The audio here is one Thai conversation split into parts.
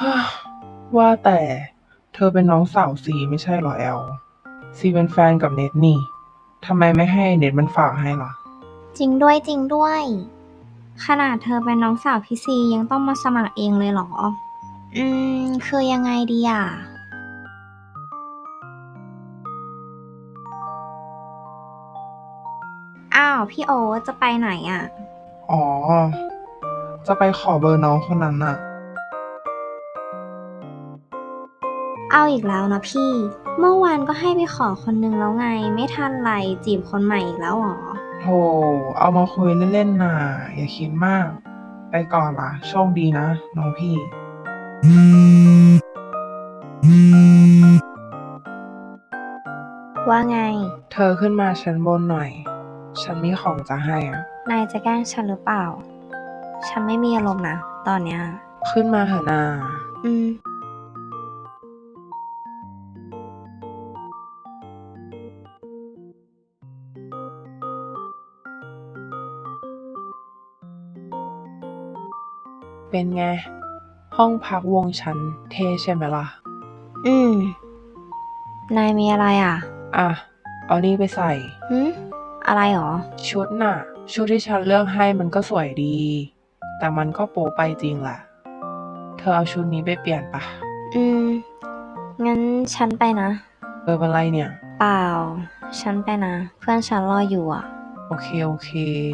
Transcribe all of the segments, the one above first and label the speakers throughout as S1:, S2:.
S1: ว่าแต่เธอเป็นน้องสาวซีไม่ใช่เหรอแอลซีเป็นแฟนกับเน็ตนี่ทำไมไม่ให้เน็ตมันฝากให้ล่ะ
S2: จริงด้วยจริงด้วย ขนาดเธอเป็นน้องสาวพี่ซียังต้องมาสมัครเองเลยเหรอ คือยังไงดีอ่ะ อ้าวพี่โอ๊ตจะไปไหนอ่ะ
S1: อ๋อจะไปขอเบอร์น้องคนนั้นน่ะ
S2: เอาอีกแล้วนะพี่ เมื่อวานก็ให้ไปขอคนนึงแล้วไง ไม่ทันไรจีบคนใหม่อีกแล้วเหรอ
S1: โธ่เอามาคุยเล่นๆน่ะอย่าคิดมากไปก่อนล่ะโชคดีนะน้องพี่
S2: ว่าไง
S1: เธอขึ้นมาชั้นบนหน่อยฉันมีของจะให้อ่ะ
S2: นายจะแกล้งฉันหรือเปล่า ฉันไม่มีอารมณ์นะตอนเนี้ย
S1: ขึ้นมาเถอะนา
S2: อืม
S1: เป็นไงห้องพักวงฉันเท่ใช่ไหมล่ะ
S2: อืม นายมีอะไรอ่ะ
S1: อ่ะเอานี่ไปใส่
S2: อะไรหรอ
S1: ชุดน่ะชุดที่ฉันเลือกให้มันก็สวยดีแต่มันก็โป๊ไปจริงแหละเธอเอาชุดนี้ไปเปลี่ยนปะ
S2: อืม งั้นฉันไปนะ
S1: เป็นไรเนี่ย
S2: เปล่า ฉันไปนะ เพื่อนฉันรออยู่อ่ะ
S1: โอเค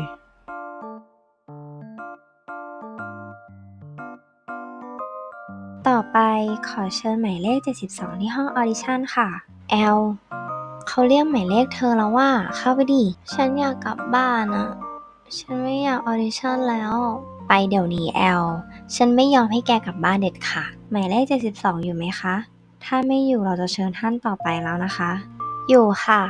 S2: ต่อไปขอเชิญหมายเลข72ที่ห้องออดิชั่นค่ะ แอล เขาเรียกหมายเลขเธอแล้วว่าเข้าไปดิ ฉันอยากกลับบ้านอะฉันไม่อยากออดิชั่นแล้ว ไปเดี๋ยวนี้แอล ฉันไม่ยอมให้แกกลับบ้านเด็ดขาดหมายเลข72อยู่ไหมคะ ถ้าไม่อยู่เราจะเชิญท่านต่อไปแล้วนะคะ อยู่ค่ะ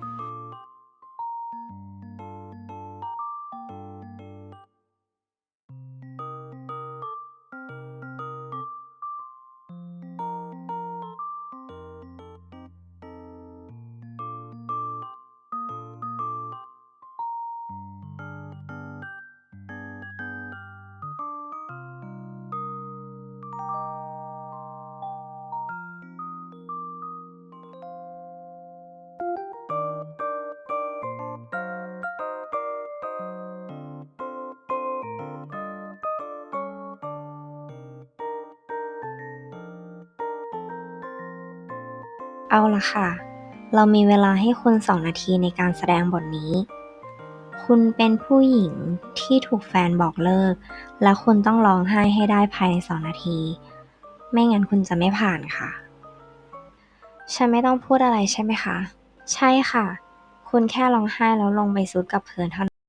S2: เอาละค่ะ เรามีเวลาให้คุณ2 นาทีในการแสดงบทนี้ คุณเป็นผู้หญิงที่ถูกแฟนบอกเลิก และคุณต้องร้องไห้ให้ได้ภายใน2 นาที ไม่งั้นคุณจะไม่ผ่านค่ะ ฉันไม่ต้องพูดอะไรใช่ไหมคะ ใช่ค่ะ คุณแค่ร้องไห้แล้วลงไปซุดกับพื้นเท่านั้น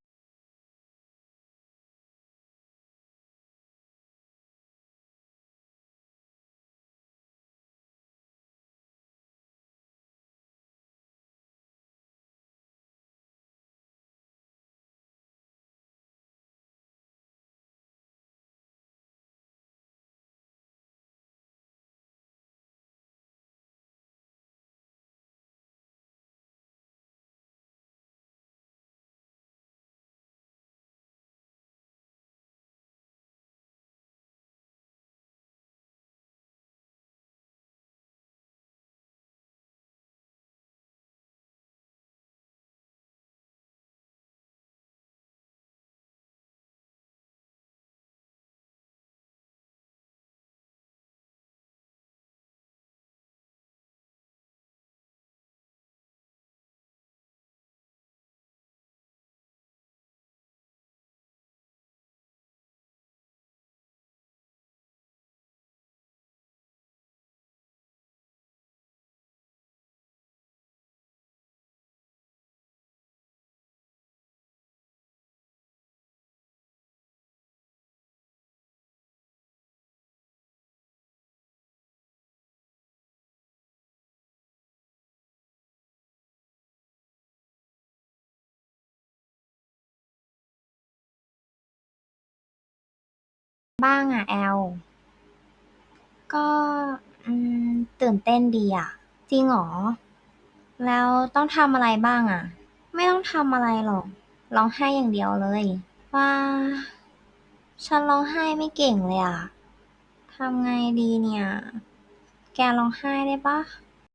S2: บ้างอะแอล ก็อืตื่นเต้นดีอะจริงเหรอ แล้วต้องทำอะไรบ้างอะไม่ต้องทำอะไรหรอกร้องไห้อย่างเดียวเลยว่าฉันร้องไห้ไม่เก่งเลยอะททำไงดีเนี่ย แกร้องไห้ได้ปะ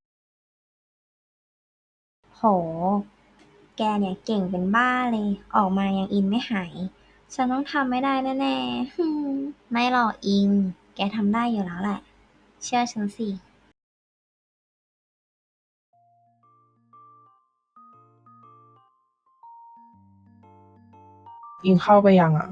S2: โห แกเนี่ยเก่งเป็นบ้าเลย ออกมายังอินไม่หาย ฉันต้องทำไม่ได้แน่ๆไม่หรอกอิง แกทำได้อยู่แล้วแหละ เชื่อฉันสิ
S1: อิงเข้าไปยังอ่ะ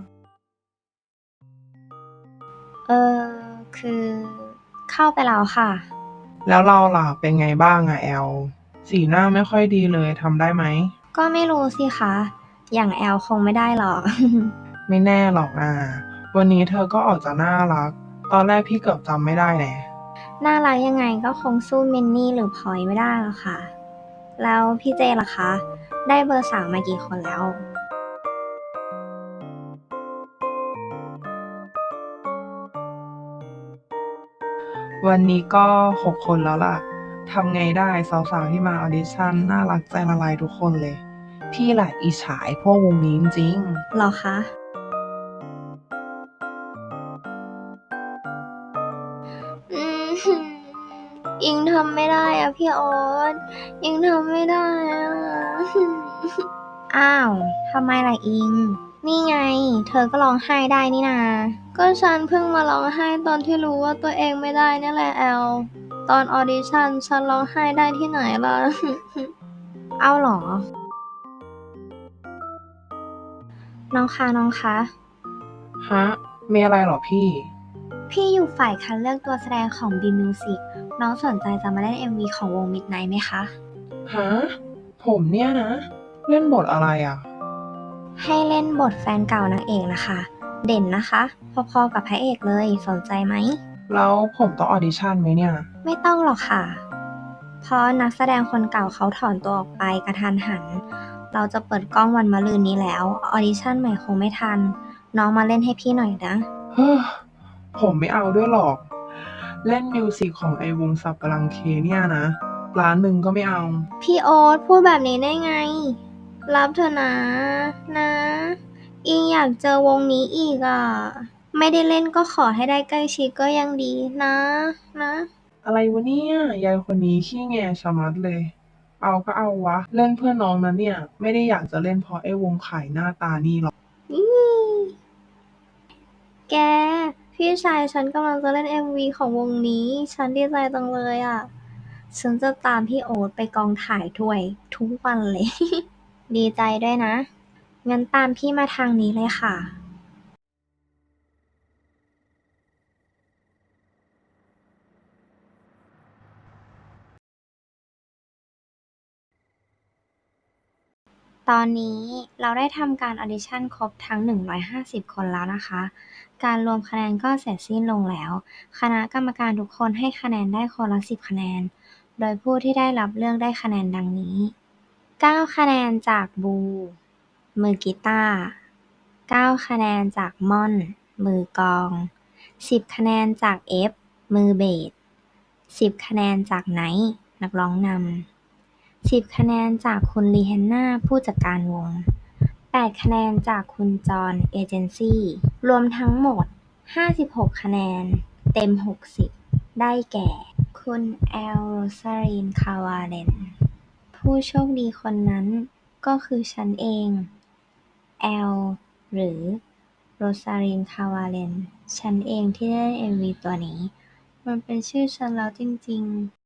S2: เออ คือเข้าไปแล้วค่ะ
S1: แล้วเราล่ะเป็นไงบ้างอ่ะแอล สีหน้าไม่ค่อยดีเลยทำได้ไหม
S2: ก็ไม่รู้สิคะ อย่างแอลคงไม่ได้หรอก
S1: ไม่แน่หรอกนะวันนี้เธอก็ออกจะน่ารัก ตอนแรกพี่เกือบจำไม่ได้แน่
S2: น่ารักยังไงก็คงสู้มินนี่หรือพลอยไม่ได้หรอกค่ะ แล้วพี่เจล่ะคะ ได้เบอร์สามมากี่คนแล้ว
S1: วันนี้ก็6 คนแล้วล่ะ ทำไงได้สาวๆที่มาออดิชั่นน่ารักใจละลายทุกคนเลย พี่แหละอิจฉาไอ้พวกวงนี้จริงๆ
S2: หรอคะ อืม อิงทำไม่ได้อะพี่ออสอิงทำไม่ได้อะอ้าว ทำไมล่ะอิง นี่ไง เธอก็ร้องไห้ได้นี่นา ก็ฉันเพิ่งมาร้องไห้ตอนที่รู้ว่าตัวเองไม่ได้นี่แหละแอล ตอนออดิชั่นฉันร้องไห้ได้ที่ไหนล่ะ เอาเหรอ น้องคะน้องคะ
S1: ฮะ มีอะไรเหรอพี่
S2: พี่อยู่ฝ่ายคัดเลือกตัวแสดงของ B Music น้องสนใจจะมาเล่น MV ของวง Midnight ไหมคะ
S1: ฮะ ผมเนี่ยนะ เล่นบทอะไรอ่ะ
S2: ให้เล่นบทแฟนเก่านางเอกนะคะ เด่นนะคะ พอๆกับพระเอกเลย สนใจไหม
S1: แล้วผมต้องออดิชั่นไหมเนี่ย
S2: ไม่ต้องหรอกค่ะ เพราะนักแสดงคนเก่าเขาถอนตัวออกไปกระทันหัน เราจะเปิดกล้องวันมะรืนนี้แล้ว ออดิชั่นใหม่คงไม่ทัน น้องมาเล่นให้พี่หน่อยนะ
S1: เฮ้อ ผมไม่เอาด้วยหรอก เล่นมิวสิกของไอวงสับปะรังเคเนี่ยนะ1 ล้านก็ไม่เอา
S2: พี่โอ๊ตพูดแบบนี้ได้ไง รับเถอะนะ นะ อิงอยากเจอวงนี้อีกอ่ะ ไม่ได้เล่นก็ขอให้ได้ใกล้ชิดก็ยังดีนะ นะ
S1: อะไรวะเนี่ย ยายคนนี้ขี้แงชะมัดเลย เอาก็เอาวะ เล่นเพื่อน้องนะเนี่ย ไม่ได้อยากจะเล่นเพราะไอ้วงขายหน้าตานี่หรอก
S2: อีแก พี่ชายฉันกำลังจะเล่น MV ของวงนี้ ฉันดีใจจังเลยอ่ะ ฉันจะตามพี่โอ๊ตไปกองถ่ายด้วยทุกวันเลย ดีใจด้วยนะ งั้นตามพี่มาทางนี้เลยค่ะ ตอนนี้เราได้ทำการออดิชั่นครบทั้ง 150 คนแล้วนะคะ การรวมคะแนนก็เสร็จสิ้นลงแล้ว คณะกรรมการทุกคนให้คะแนนได้คนละ 10 คะแนน โดยผู้ที่ได้รับเลือกได้คะแนนดังนี้ 9 คะแนนจากบู มือกีตาร์ 9 คะแนนจากม่อน มือกลอง 10 คะแนนจากเอฟ มือเบส 10 คะแนนจากไนท์ นักร้องนำ 10 คะแนนจากคุณลีเฮนนาผู้จัดการวง 8 คะแนนจากคุณจอห์นเอเจนซี่ รวมทั้งหมด 56 คะแนน เต็ม 60 ได้แก่ คุณแอล โรซาริน คาวาเลน ผู้โชคดีคนนั้นก็คือฉันเอง แอล หรือโรซาริน คาวาเลน ฉันเองที่ได้เล่น MV ตัวนี้ มันเป็นชื่อฉันแล้วจริงๆ